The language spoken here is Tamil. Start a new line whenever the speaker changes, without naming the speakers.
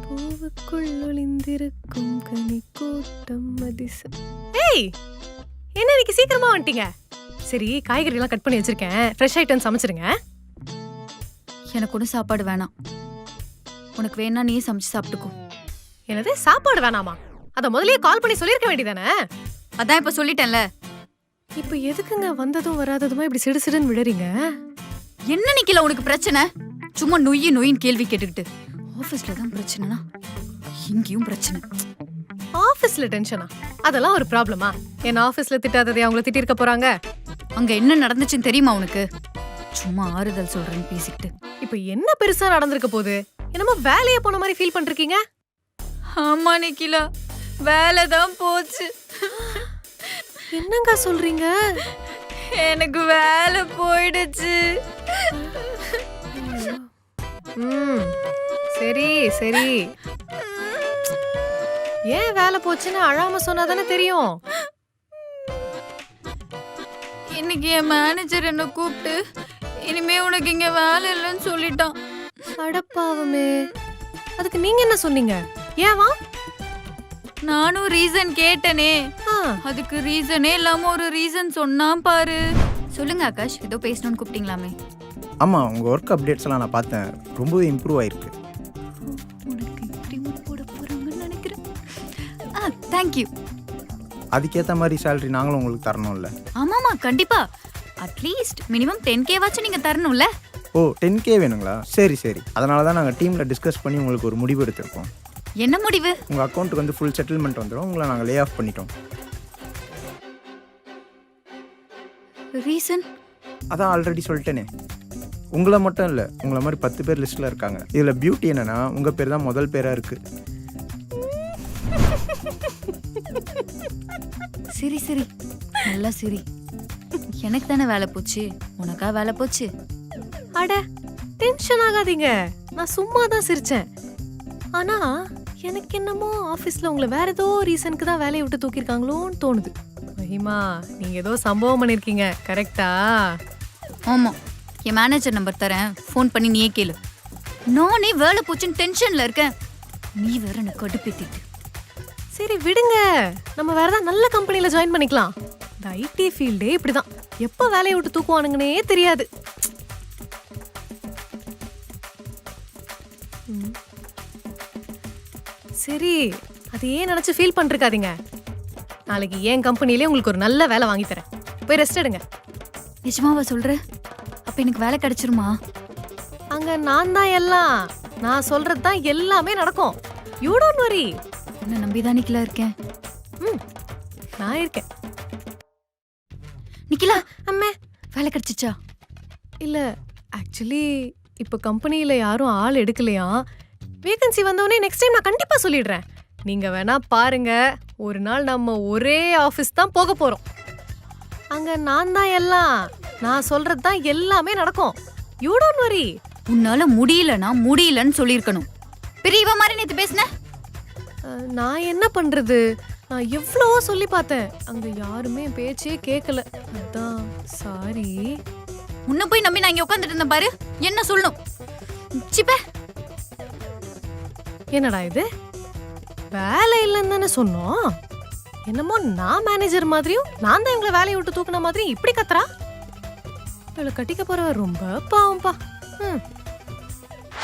பூவுக்குள் ஒளிந்திருக்கும் கனி கூட்டம் அதிசம். ஏய், என்ன இன்னைக்கு சீக்கிரமா வந்துட்டீங்க? சரி, காய்கறி எல்லாம் கட் பண்ணி வச்சிருக்கேன். ஃப்ரெஷ் ஐட்டம் சமைச்சிருங்க.
எனக்கு ஒன்றும் சாப்பாடு வேணாம். உனக்கு வேணா நீ சமைச்சு சாப்பிட்டுக்கோ.
என்னது சாப்பாடு வேணாமா? அத முதல்லயே கால் பண்ணி சொல்லிருக்க வேண்டியதானே?
அதான் இப்ப சொல்லிட்டேன்ல.
இப்ப எதுக்குங்க வந்ததும் வராததுமா இப்படி சிடுசிடுன்னு விடுறீங்க?
என்ன நிக்கல உனக்கு பிரச்சனை? சும்மா நொய்யின் கேள்வி கேட்டுக்கிட்டு. ஆபீஸ்ல தான் பிரச்சனைனா இங்கேயும் பிரச்சனை.
ஆபீஸ்ல டென்ஷனா? அதெல்லாம் ஒரு ப்ராப்ளமா? என்ன ஆபீஸ்ல திட்டாததே அவங்கள திட்டிருக்க போறாங்க?
அங்க என்ன நடந்துச்சுன்னு தெரியுமா உனக்கு? சும்மா ஆறுதல் சொல்றேன்னு பேசிக்கிட்டு.
இப்ப என்ன பெருசா நடந்திருக்க போகுது? என்னமோ வேலைய போன மாதிரி ஃபீல் பண்றீங்க?
ஆமா நிக்கிலா, வேலை தான் போச்சு.
என்னங்க சொல்றீங்க?
எனக்கு வேலை போயிடுச்சு.
சரி சரி, ஏன் வேலை போச்சுன்னு அழாம சொன்னாதானே தெரியும்.
இன்னைக்கு என் மேனேஜர் என்ன கூப்பிட்டு இனிமே உனக்கு இங்க வேலை இல்லைன்னு சொல்லிட்டான்.
அடப்பாவமே, அதுக்கு நீங்க என்ன சொன்னீங்க? ஏவா?
நானும் ரீசன் கேட்டனே. அதுக்கு ரீசனே இல்லாம ஒரு ரீசன் சொன்னான் பாரு. சொல்லுங்க ஆகாஷ், ஏதோ பேசணும்னு கூப்பிட்டீங்களாமே.
ஆமாம், உங்கள் ஒர்க் அப்டேட்ஸ் எல்லாம் நான் பார்த்தேன். ரொம்பவே இம்ப்ரூவ் ஆயிருக்கு.
உனக்கு இன்க்ரிமெண்ட் போட போறாங்கன்னு நினைக்கிறேன். தேங்க்யூ.
அதுக்கேற்ற மாதிரி சேலரி நாங்களும் உங்களுக்கு தரணும்ல?
ஆமாமா, கண்டிப்பா. அட்லீஸ்ட் மினிமம் 10K வாச்சும் நீங்க தரணும்ல.
ஓ, 10K வேணுங்களா? சரி சரி, அதனால தான் நாங்கள் டீமில் டிஸ்கஸ் பண்ணி உங்களுக்கு ஒரு முடிவு எடுத்திருக்கோம்.
என்ன முடிவு?
உங்கள் அக்கௌண்ட்டுக்கு வந்து ஃபுல் செட்டில்மெண்ட் வந்துடும். உங்களை நாங்கள் லே ஆஃப் பண்ணிட்டோம்.
ரீசன்?
அதான் ஆல்ரெடி சொல்லிட்டேனே. உங்களை மட்டும் இல்லை, உங்களை மாதிரி 10 பேர் லிஸ்ட்டில் இருக்காங்க. இதில் பியூட்டி என்னென்னா உங்கள் பேர் தான் முதல் பேராக இருக்குது.
சரி சரி, நல்லா சரி. எனக்கு தானே வேலை போச்சு, உனக்கா வேலை போச்சு?
அட, டென்ஷன் ஆகாதீங்க. நான் சும்மா தான் சிரிச்சேன். ஆனா எனக்கு என்னமோ ஆபீஸ்ல உங்களை வேற ஏதோ ரீசனுக்கு தான் வேலையை விட்டு தூக்கிருக்காங்களோன்னு தோணுது. மஹிமா, நீங்க ஏதோ சம்பவம் பண்ணிருக்கீங்க, கரெக்டா?
ஆமா, என் மேனேஜர் நம்பர் தரேன், ஃபோன் பண்ணி நீயே கேளு. நானே வேலை போச்சுன்னு டென்ஷன்ல இருக்கேன், நீ வேற எனக்கு கடுப்பேத்திட்டு.
சரி விடுங்க, நம்ம வேற ஏதாவது நல்ல கம்பெனில ஜாயின் பண்ணிக்கலாம். இந்த ஐடி ஃபீல்டே இப்படிதான், எப்ப வேலையை விட்டு தூக்குவானுங்கன்னே தெரியாது. சரி, அது ஏன் நினைச்சு ஃபீல் பண்ணிருக்காதீங்க. நாளைக்கு என் கம்பெனிலே உங்களுக்கு ஒரு நல்ல வேலை வாங்கி தரேன். போய் ரெஸ்ட் எடுங்க.
நிஜமாவா சொல்ற? அப்ப எனக்கு வேலை கிடைச்சிருமா?
அங்க நான் தான் எல்லாம், நான் சொல்றது தான் எல்லாமே நடக்கும். You don't worry.
என்ன நம்பிதான் நிக்கிலா இருக்கேன்.
நான் இருக்கேன்.
நிக்கிலா,
அம்மே,
வேலை கிடைச்சிச்சா?
இல்ல, ஆக்சுவலி இப்ப கம்பெனில யாரும் ஆள் எடுக்கலையா. வேகன்சி வந்தவொடனே நெக்ஸ்ட் டைம் நான் கண்டிப்பா சொல்லிடுறேன். நீங்க வேணா பாருங்க, ஒரு நாள் நம்ம ஒரே ஆபீஸ் தான் போக போறோம். அங்க நான் தான் எல்லாம், நான் சொல்றது தான் எல்லாமே நடக்கும். You don't worry.
உன்னால முடியலன்னா முடியலன்னு சொல்லிருக்கணும். பெரியவ மாதிரி நேத்து பேசுன.
நான் என்ன பண்றது? நான் எவ்வளவோ சொல்லி பார்த்தேன், அங்க யாருமே பேச்சே கேட்கல. அதான் சாரி.
உன்ன போய் நம்பி நான் இங்க உட்காந்துட்டு இருந்தேன் பாரு, என்ன சொல்லணும்? சிப்பே,
என்னடா இது? வேலை இல்லைன்னு தானே சொன்னோம். என்னமோ நான் மேனேஜர் மாதிரியும் நான் தான் இவங்களை வேலையை விட்டு தூக்குன மாதிரியும் இப்படி கத்துறா. இவளை கட்டிக்க போறவ ரொம்ப பாவம்பா.